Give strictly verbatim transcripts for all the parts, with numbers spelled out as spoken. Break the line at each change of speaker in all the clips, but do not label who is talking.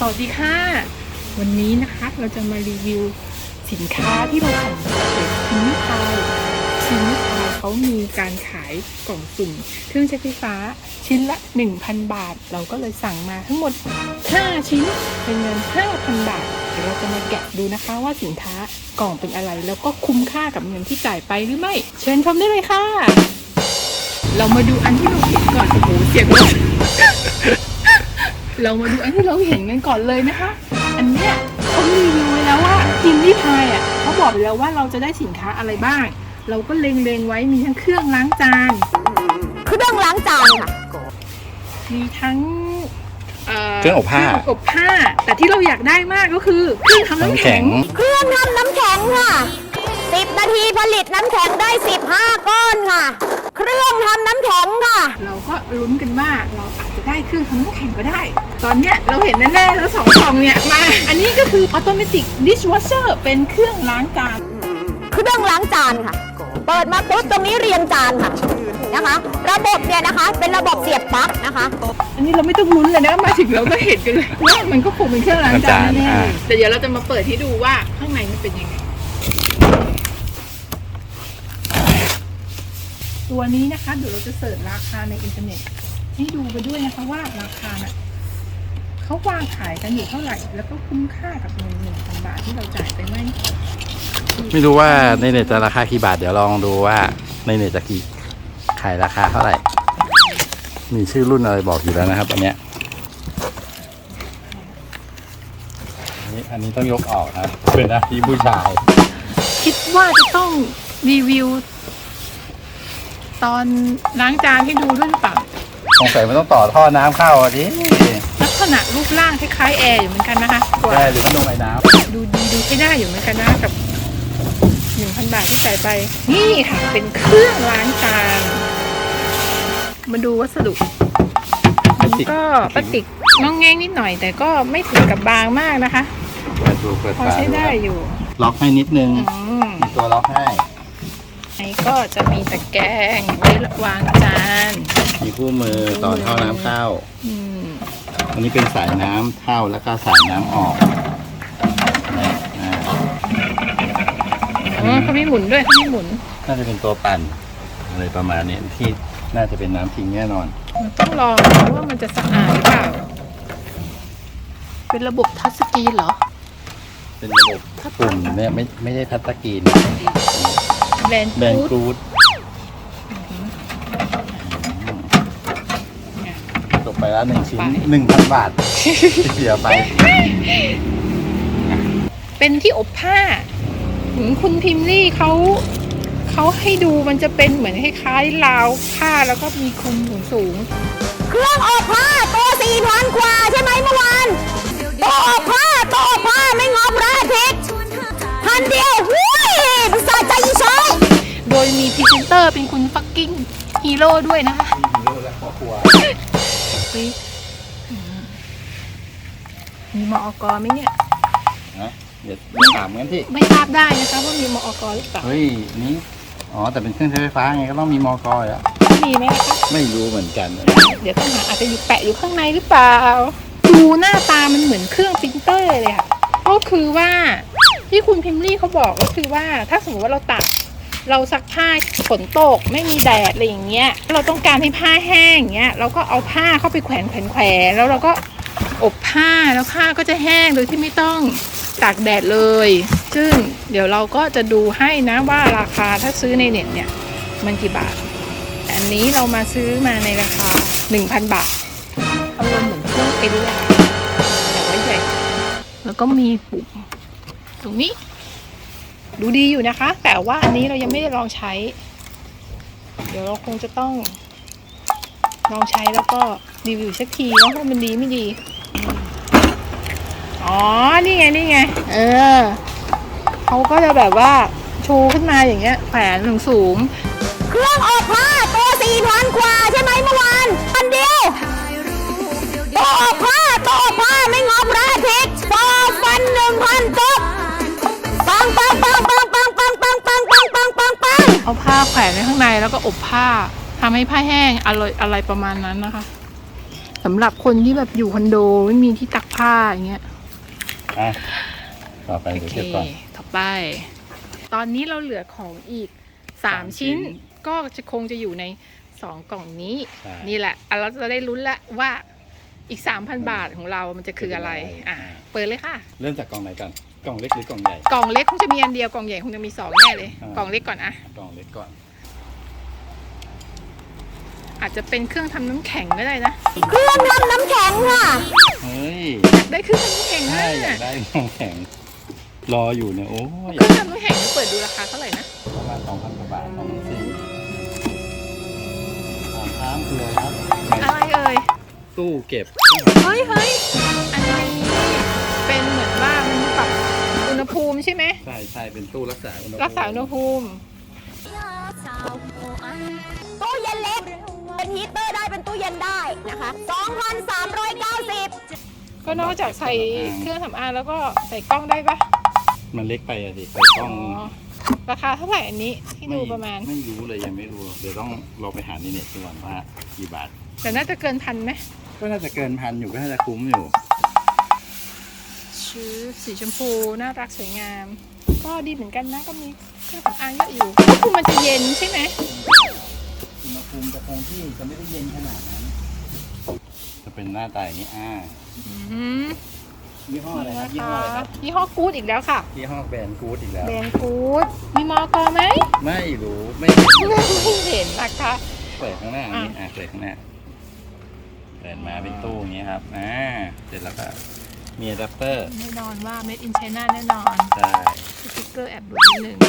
วัสดีค่ะวันนี้นะคะเราจะมารีวิวสินค้าที่เราสั่งจากเพจพิมพ์พายพิมพ์พายเขามีการขายกล่องสุ่มเครื่องใช้ไฟฟ้าชิ้นละ หนึ่งพัน บาทเราก็เลยสั่งมาทั้งหมดห้าชิ้นเป็นเงิน ห้าพัน บาทเดี๋ยวเราจะมาแกะดูนะคะว่าสินค้ากล่องเป็นอะไรแล้วก็คุ้มค่ากับเงินที่จ่ายไปหรือไม่เชิญชมได้เลยค่ะเรามาดูอันที่เราเห็นก่อนโอ้โหเสียงรถ เรามาดูอันที่เราเห็นกันก่อนเลยนะคะอันเนี้ยเขารีวิวไว้แล้วว่าพิมพ์ลี่พายอ่ะเขาบอกไปแล้วว่าเราจะได้สินค้าอะไรบ้างเราก็เล็งๆไว้มีทั้งเครื่องล้างจาน
เครื่องล้างจานค่ะ
มีทั้ง
เครื่องอบผ้า
อบผ้าแต่ที่เราอยากได้มากก็คือเครื่องทำน้ำแข็ง
เครื่องทำน้ำแข็งค่ะสิบนาทีผลิตน้ำแข็งได้สิบห้าก้อนค่ะเครื่องทำน้ำแข็งค่ะ
เราก็ลุ้นกันว่าเราอาจจะได้เครื่องทำน้ำแข็งก็ได้ตอนเนี้ยเราเห็นแน่ๆแล้วสองกล่องเนี่ยมาอันนี้ก็คือ Automatic Dishwasher เป็นเครื่องล้างจาน
เครื่องล้างจานค่ะเปิดมาปุ๊บตรงนี้เรียงจานค่ะนะคะระบบเนี่ยนะคะเป็นระบบเสียบปลั๊กนะคะ
อันนี้เราไม่ต้องลุ้นเลยนะมาถึงเราก็เห็นกันเลยว่ามันก็คงเป็นเครื่องล้างจานแน่แต่เดี๋ยวเราจะมาเปิดให้ดูว่าข้างในมันเป็นยังไงตัวนี้นะคะเดี๋ยวเราจะเสิร์ชราคาในอินเทอร์เน็ตให้ดูไปด้วยนะคะว่าราคาน่ะเขาวางขายกันอยู่เท่าไหร่แล้วก็คุ้มค่ากับเงินหนึ่งพันบาทที่เราจ่ายไปไหม
ไม่รู้ว่าในเน็ตจะราคากี่บาทเดี๋ยวลองดูว่าในเน็ตจะกี่ขายราคาเท่าไหร่มีชื่อรุ่นอะไรบอกอยู่แล้วนะครับอันเนี้ยอันนี้อันนี้ต้องยกออกนะเป็นหน้าที่ผู้ชาย
คิดว่าจะต้องรีวิวตอนล้างจานให้ดูด้วยหรือเปล่า
สงสัยมันต้องต่อท่อน้ำเข้าอ่ะดิ
ลักษณะรูปร่างคล้ายๆแอร์อยู่เหมือนกันนะคะ
แอร์หรือพัดลมไอ้น้
ำดูดีดูใช้ได้อยู่เหมือนกันนะกับ หนึ่งพัน บาทที่จ่ายไปนี่ค่ะเป็นเครื่องล้างจานมาดูวัสดุมันก็พลาสติกงองแงงนิดหน่อยแต่ก็ไม่ถึงกับบางมากนะคะพอใช้ได้อยู่
ล็อกให้นิดนึงมีตัวล็อกให้
ไอ้ก็จะมีตะแกรงไว้วางจาน
มีคู่มือต่อท่อน้ำเข้าอันนี้เป็นสายน้ำเข้าแล้วก็สายน้ำออก
อ๋อเขาไม่หมุนด้วยเขาไม่หมุน
น่าจะเป็นตัวปั่นอะไรประมาณนี้ที่น่าจะเป็นน้ำทิ้งแน่นอน
ต้องลองว่ามันจะสะอาดหรือเปล่าเป็นระบบทัชสกรีนเหรอ
เป็นระบบปุ่มเนี่ยไม่ไม่ใช่ทัชสกรีน
แบรนด์แบรนด์กรูด
จบไปแล้วหนึ่งชิ้นหนึ่งพันบาทเสียไป
เป็นที่อบผ้าคุณพิมพ์ลี่เขาเขาให้ดูมันจะเป็นเหมือนคล้ายๆราวผ้าแล้วก็มีคลุมสูง
ๆเครื่องอบผ้าตัวสี่พันกว่าใช่ไหมเมื่อวานตัวอบผ้าตัวอบผ้าไม่งอมราทิศพันเดียวหุ้ยสะใจอีช้อย
โดยมีพรีเซนเตอร์เป็นคุณฟักกิ้งฮีโร่ด้วยนะคะ
ฮีโร่และครอบครัว
มีมอกไหมเนี่ย
นะเดี๋ยวไม่ถามกันที่
ไม่ทราบได้นะคะว่ามีมอกหรือเปล่า
เฮ้ยนี่อ๋อแต่เป็นเครื่องใช้ไฟฟ้าไงก็ต้องมีมอกอ่ะ
มีไหมคะ
ไม่รู้เหมือนกัน
เดี๋ยวต้องหาอาจจะอยู่แปะอยู่ข้างในหรือเปล่าดูหน้าตามันเหมือนเครื่องปรินเตอร์เลยค่ะก็คือว่าที่คุณพิมพ์ลี่เขาบอกก็คือว่าถ้าสมมติว่าเราตักเราซักผ้าฝนตกไม่มีแดดอะไรอย่างเงี้ยเราต้องการให้ผ้าแห้งอย่างเงี้ยเราก็เอาผ้าเข้าไปแขวนแขวนแขวนแล้วเราก็อบผ้าแล้วผ้าก็จะแห้งโดยที่ไม่ต้องตากแดดเลยซึ่งเดี๋ยวเราก็จะดูให้นะว่าราคาถ้าซื้อในเน็ตเนี่ยมันกี่บาทอันนี้เรามาซื้อมาในราคา หนึ่งพัน บาทอารมณ์เหมือนเครื่องปริ้นเลยแต่ว่าใหญ่แล้วก็มีปุ่มตรงนี้ดูดีอยู่นะคะแต่ว่าอันนี้เรายังไม่ได้ลองใช้เดี๋ยวเราคงจะต้องลองใช้แล้วก็รีวิวสักทีว่ามันดีไม่ดีอ๋อนี่ไงนี่ไงเออเขาก็จะแบบว่าชูขึ้นมาอย่างเงี้ยแขวนสูง
ๆเครื่องอบผ้าตัวสี่พันกว่าใช่ไหมเมื่อวานพันเดียวตัวอบผ้าตัวอบผ้าไม่งอมราทิศสองพันหนึ่งพันตุ๊บปังปังปังปังปังปังปังปังปังปังปังปัง
เอาผ้าแขวนไว้ข้างในแล้วก็อบผ้าทำให้ผ้าแห้งอร่อยอะไรประมาณนั้นนะคะสำหรับคนที่แบบอยู่คอนโดไม่มีที่ตักผ้าอย่างเงี้ย
อ่ะต่อไป
โอ
เดี๋ยว
เค
เก็บก่อน
ต่อไป ตอนนี้เราเหลือของอีกสามชิ้น ก็จะคงจะอยู่ในสองกล่องนี้
ใช่
นี่แหละอ่ะเราจะได้ลุ้นละว่าอีก สามพัน บาทของเรามันจะคืออะไร อ่ะ เปิดเลยค่ะ
เริ่มจากกล่องไหนก่อนกล่องเล็กหรือกล่องใหญ่
กล่องเล็กคงจะมีอันเดียว กล่องใหญ่คงจะมีสองแน่เลย
อ่า
กล่องเล็กก่อนอะ
กล่องเล็กก่อน
อาจจะเป็นเครื่องทำน้ำแข็งก็ได้นะ
เครื่องทำน้ำแข็งค่ะ
เฮ้ย
อยากได้เครื่องทำน้ำแข็งนะ
ใช่อยากได้น้ำแข็งรออยู่เนี่ยโอ้ย
เครื่องทำน้ำแข็งเปิดดูราคาเท่าไหร่นะ
ประมาณสองพันกว่าบาทสองพันสี่ถามค้างคืออะไรครับ
อะไรเอ่ย
ตู้เก็บ
เฮ้ยเฮ้ยอันนี้เป็นเหมือนว่ามันปรับอุณหภูมิใช่ไหม
ใช่ใช่เป็นตู้รักษาอุณหภูมิ
รักษาอุณหภูมิ
ตู้เย็นเล็ก เป็นฮีตเตอร์ได้เป็นตู้เย็นได้นะคะสองพันสามร้อยเก้าสิบ
ก็นอกจากใส่เครื่องสำอางแล้วก็ใส่กล้องได้ปะ
มันเล็กไปอะดิใส่กล้อง
อ๋อราคาเท่าไหร่อันนี้ที่ดูประมาณ
ไม่รู้เลยยังไม่รู้เดี๋ยวต้องลองไปหาในเน็ตดูก่อนว่ากี่บาท
แต่น่าจะเกินพันไหม
ก็น่าจะเกินพันอยู่ก็น่าจะคุ้มอยู่
ชื่อสีชมพูน่ารักสวยงาม ก็ดีเหมือนกันนะก็มีเครื่องสำอางเยอะอยู่ก็คือมันจะเย็นใช่ไหม
อุณหภูมิจะคงที่จะไม่ได้เย็นขนาดนั้น จะเป็นหน้าตาอย่างนี้อ่า
อืม
ยี่ห้ออะไรครับ
นะ
ยี่ห้อ
คะ
อะไรครับ
ยี่ห้อกู๊ดอีกแล้วค่ะ
ยี่ห้อแบรนด์กู๊ดอีกแล้ว
แบรนด์กู๊ดมีมอกอไหม
ไม่รู้ไม่
ไม่เห็นนะคะ
เปิดข้างหน้าอย่างนี้อ่ะเปิดข้างหน้าเปิดมาเป็นตู้อย่างนี้ครับอ่าเสร็จแล้วก็มีอะแดปเตอร์
แน่นอนว่า made in China แน่นอน
ใช่
สติ๊กเกอร์แอบดูนิดนึง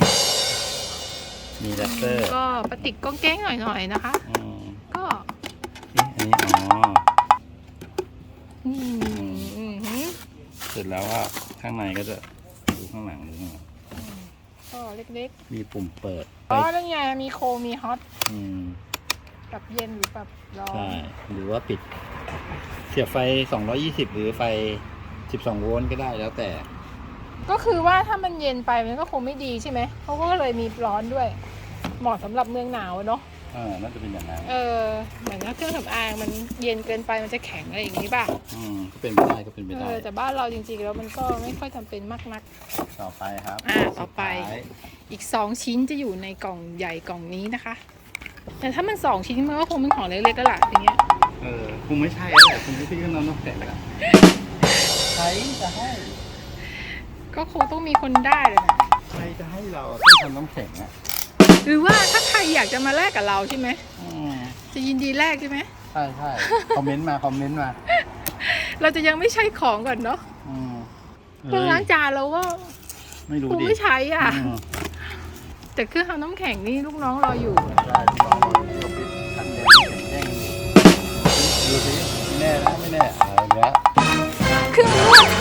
มีอะแดปเตอร์
ก็ปฏิกก้องแก้งหน่อยๆนะคะ
อืม
ก็
เอ๊ะอันนี้อ๋อ
นี่อือหือ
เสร็จแล้วก็ข้างในก็จะดูข้างหลังดูข้างหลัง
ก็เล็ก
มีปุ่มเปิด
ๆอ๋อนั่นไงมีโคมีฮอต
อืม
ปรับเย็นหรือปรับร้อ
ใช่
น
หรือว่าปิด เสียบไฟสองร้อยยี่สิบหรือไฟสิบสองโวลต์ก็ได้แล้วแต่
ก็คือว่าถ้ามันเย็นไปมันก็คงไม่ดีใช่ไหมเขาก็เลยมีร้อนด้วย เหมาะสำหรับเมืองหนาวอะเนาะ
อ่าน่าจะเป็นอย่างนั้น
เออเหมือนถ้าเครื่องสำอางมันเย็นเกินไปมันจะแข็งอะไรอย่างนี้ป่ะ
อืมก็เป็นไปได้ก็เป็นไป
เอ
ได้
อแต่บ้านเราจริงๆแล้วมันก็ไม่ค่อยจำเป็นมากนัก
ต่อไปครับ
อ่าต่อไป
สุดท้าย
อีกสองชิ้นจะอยู่ในกล่องใหญ่กล่องนี้นะคะ แต่ถ้ามันสองชิ้นมันก็คงเป็นของเล็กๆแล้วล่ะอย่างเงี้ย
เออคงไม่ใช่แล้วแหละคงไม่ใช่เครื่องนอนน้ำแข็งแล้วใครจะให้
ก็คงต้องมีคนได้เลยนะ
ใครจะให้เราเครื่องทำน้ำแข็งอ่ะ
หรือว่าถ้าใครอยากจะมาแลกกับเราใช่ไหม
อืม
จะยินดีแลกใช่ไหม
ใช่ใช่คอมเมนต์มาคอมเมนต์มา
เราจะยังไม่ใช้ของก่อนเนาะ
อืม
เครื่องล้างจานเราก็
ไม่รู้
คง
ดิ
ไม่ใช้อ่ะ
อืม
แต่เครื่องทำน้ำแข็งนี่ลูกน้องรออยู่
ใช่ลองลองดูปิดทันแดงแจ้งดูสิไม่แน่นะไม่แน่อะไรเงี้ย
เครื่องนวด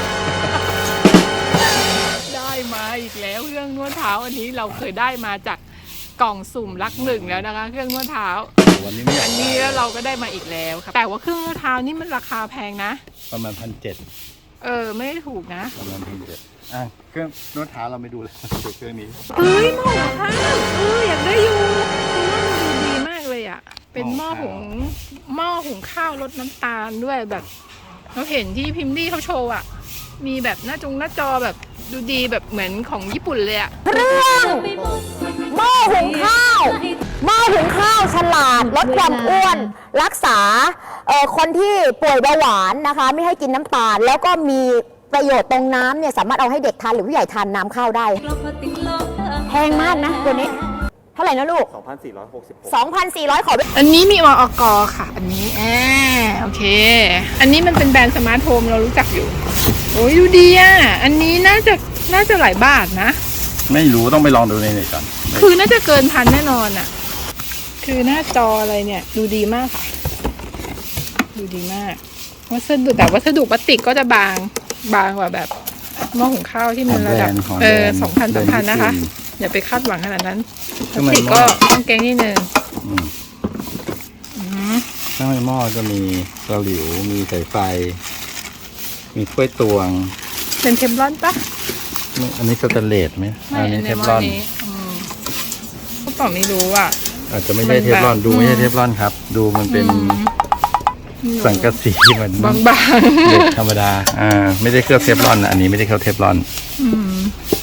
ได้มาอีกแล้วเครื่องนวดเท้าอันนี้เราเคยได้มาจากกล่องสุ่มรักหนึ่งแล้วนะคะ เครื่องนวดเท้า
วันนี้ไม่อยาก
อันนี้แล้วเราก็ได้มาอีกแล้วครับแต่ว่าเครื่องนวดเท้านี่มันราคาแพงนะ
ประมาณพันเจ็ด
เออไม่ได้ถูกนะ
ประมาณพันเจ็ดอ่ะเครื่องนวดเท้าเราไม่ดูเลยดูเครื่องนี้
เฮ้ยหม้อหุงข้าวเอออยากได้อยู่คือว่ามันดูดีมากเลยอ่ะเป็นหม้อหุงหม้อหุงข้าวรสน้ำตาลด้วยแบบเราเห็นที่พิมพ์ลี่เขาโชว์อ่ะมีแบบหน้าจงหน้าจอแบบดูดีแบบเหมือนของญี่ปุ่นเลยอ่ะ
เครื่องหม้อหุงข้าวหม้อหุงข้าวฉลาดลดความอ้วน รักษาเอ่อคนที่ป่วยเบาหวานนะคะ ไม่ให้กินน้ำตาล แล้วก็มีประโยชน์ตรงน้ำเนี่ยสามารถเอาให้เด็กทานหรือผู้ใหญ่ทานน้ำข้าวได้แพงมากนะตัวนี้ เท่าไหร่นะลูก
สองพันสี่ร้อยหกสิบหก
สองพันสี่ร้อย ขอ
อันนี้มีวอกค่ะ อันนี้แอบโอเค อันนี้มันเป็นแบรนด์สมาร์ทโฮมเรารู้จักอยู่โอ้ยดูดีอ่ะอันนี้น่าจะน่าจะหลายบาทนะ
ไม่รู้ต้องไปลองดูในเน็ตก่อน
คือน่าจะเกินพันแน่นอนอ่ะ คือหน้าจออะไรเนี่ย ดูดีมากค่ะ ดูดีมากวัสดุแต่วัสดุพลาสติกก็จะบางบางกว่าแบบหม้อหุงข้าวที่มันระดับ
ของ
เอ
แบร
อน
ด์
สองพันสามพัน
แบรด์
นะคะ
ญี่ปุ่
อย่าไปคาดหวังขนาดนั้นพลา
ทำ
ส
ไม
ติก
หม้
ก็
อ
ต้องแกงนิดนึง
อืม
อืม
ข้างในหม้อจะมีเตาหลิวมีสายไฟ มีถ้วยตวง
เป็นเทมลอนปะ
ไม่อันนี้สแตนเลสไหม
ไม่
อันนี้เท
ใน
ฟ
หม้
ลอน
นี้อืมก็ต่อไม่รู้อ่ะ
อาจจะไม่ใช่
มัน
เทฟลอน
แบบ
ดูไม่ใช่
อืม
เทฟลอนครับ ดูมันเป็น
อืม
สังกะสีเหมือน
บาง
เด็กธรรมดาอ่าไม่ได้เคลือบเทฟลอนนะอันนี้ไม่ได้เคลือบเทฟลอน
ๆอืม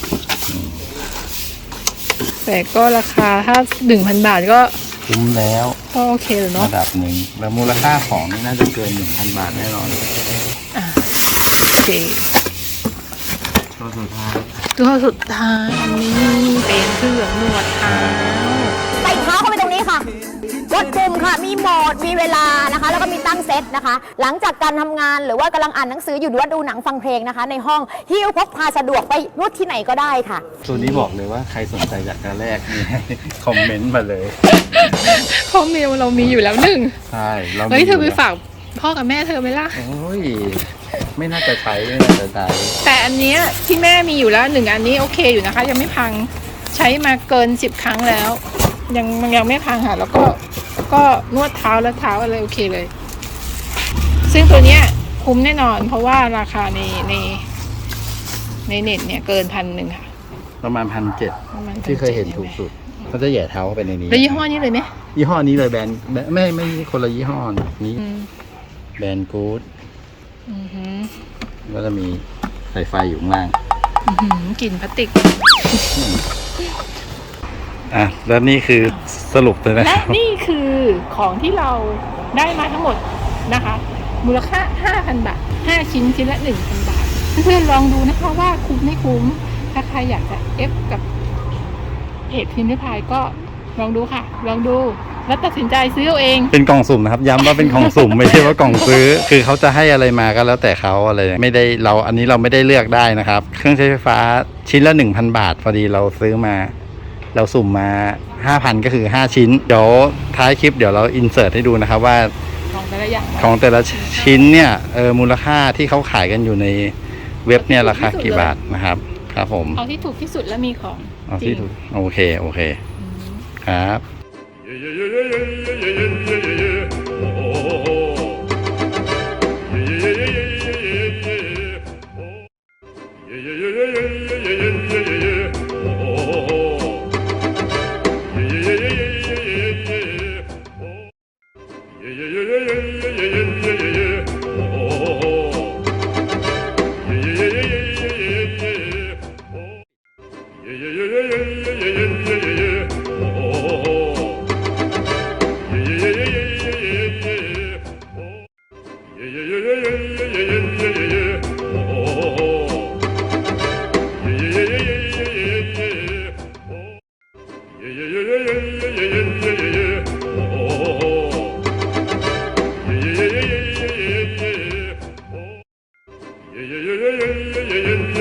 แต่ก็ราคาถ้าหนึ่งพันบาทก็
คุ้มแล้ว
ก็โอเคเลยเนาะ
ระดับหนึ่งแล้วมูลค่าของนี่น่าจะเกินหนึ่งพันบาทแน่นอน
อ่ะโอเค
ตัวสุดท้าย
ตัวสุดท้ายอันนี้เป็นเครื่องนวดเท้า
ใส่เท้าเข้าไปตรงนี้ค่ะกดปุ่มค่ะ มีโหมด มีเวลานะคะ แล้วก็มีตั้งเซตนะคะ หลังจากการทำงานหรือว่ากำลังอ่านหนังสืออยู่หรือว่าดูหนังฟังเพลงนะคะ ในห้องหิ้วพกพาสะดวกไปนวดที่ไหนก็ได้ค่ะ
ตัวนี้บอกเลยว่าใครสนใจอยากจะแลกนี่ให้คอมเมนต์มาเลย
ข้อเมลเรามีอยู่แล้วหนึ่ง
ใช่เรา
เฮ้ยเธอไป
มี
ฝากพ่อกับแม่เธอไหมล่ะ
โอ้ยไม่น่าจะใช้ไม่น่าจะใช้
แต่อันเนี้ยที่แม่มีอยู่แล้วหนึ่งอันนี้โอเคอยู่นะคะ ยังไม่พังใช้มาเกินสิบครั้งแล้ว ยังมันยังไม่พังค่ะ แล้วก็แล้วก็นวดเท้าและเท้าอะไรโอเคเลย ซึ่งตัวเนี้ยคุ้มแน่นอน เพราะว่าราคาในในในเน็ตเนี่ยเกินพันหนึ่งค่ะ
ประมาณพันเจ็ด
ประมาณ
ที่เคยเห็นถูกสุดเขาจะแหย่เท้าเข้าไปในนี้
แล้วยี่ห้อนี้เลยไหม
ยี่ห้อนี้เลยแบรนด์แบรนด์ไม่ไม่คนละยี่ห้อนี้
อืม
แบรนด์กู๊ด
อือหือ
ก็จะมีสายไฟอยู่ข้างล่าง
อื้อหือกลิ่นพลาสติก
อ่ะแล้วนี่คือสรุปเลยนะ
และนี่คือของที่เราได้มาทั้งหมดนะคะ มูลค่า ห้าพัน บาท ห้า ชิ้นชิ้นละ หนึ่งพัน บาท เพื่อนๆลองดูนะคะว่าคุ้มไม่คุ้ม ถ้าใครอยากจะเอฟกับเพจพิมพ์ริพายก็ลองดูค่ะ ลองดูแล้วตัดสินใจซื้อเอาเอง
เป็นกล่องสุ่มนะครับย้ำว่าเป็นกล่องสุ่ม ไม่ใช่ว่ากล่องซื้อ คือเขาจะให้อะไรมาก็แล้วแต่เขาอะไรไม่ได้เราอันนี้เราไม่ได้เลือกได้นะครับ เครื่องใช้ไฟฟ้าชิ้นละ หนึ่งพัน บาทพอดีเราซื้อมา เราสุ่มมา ห้าพัน ก็คือ ห้า ชิ้น เดี๋ยวท้ายคลิปเดี๋ยวเราอินเสิร์ตให้ดูนะครับว่า
ของแต่ละอย่าง
ของแต่ละชิ้นเนี่ยเออมูลค่าที่เขาขายกันอยู่ในเว็บเนี่ยราคากี่บาทนะครับครับผม
เอาที่ถูกที่สุดแล้วมีของ
เอา
จริ
ที่
ง
ถูกโอเคโอเคครับ
Yeah, yeah, yeah, yeah, yeah, yeah, yeah, yeah.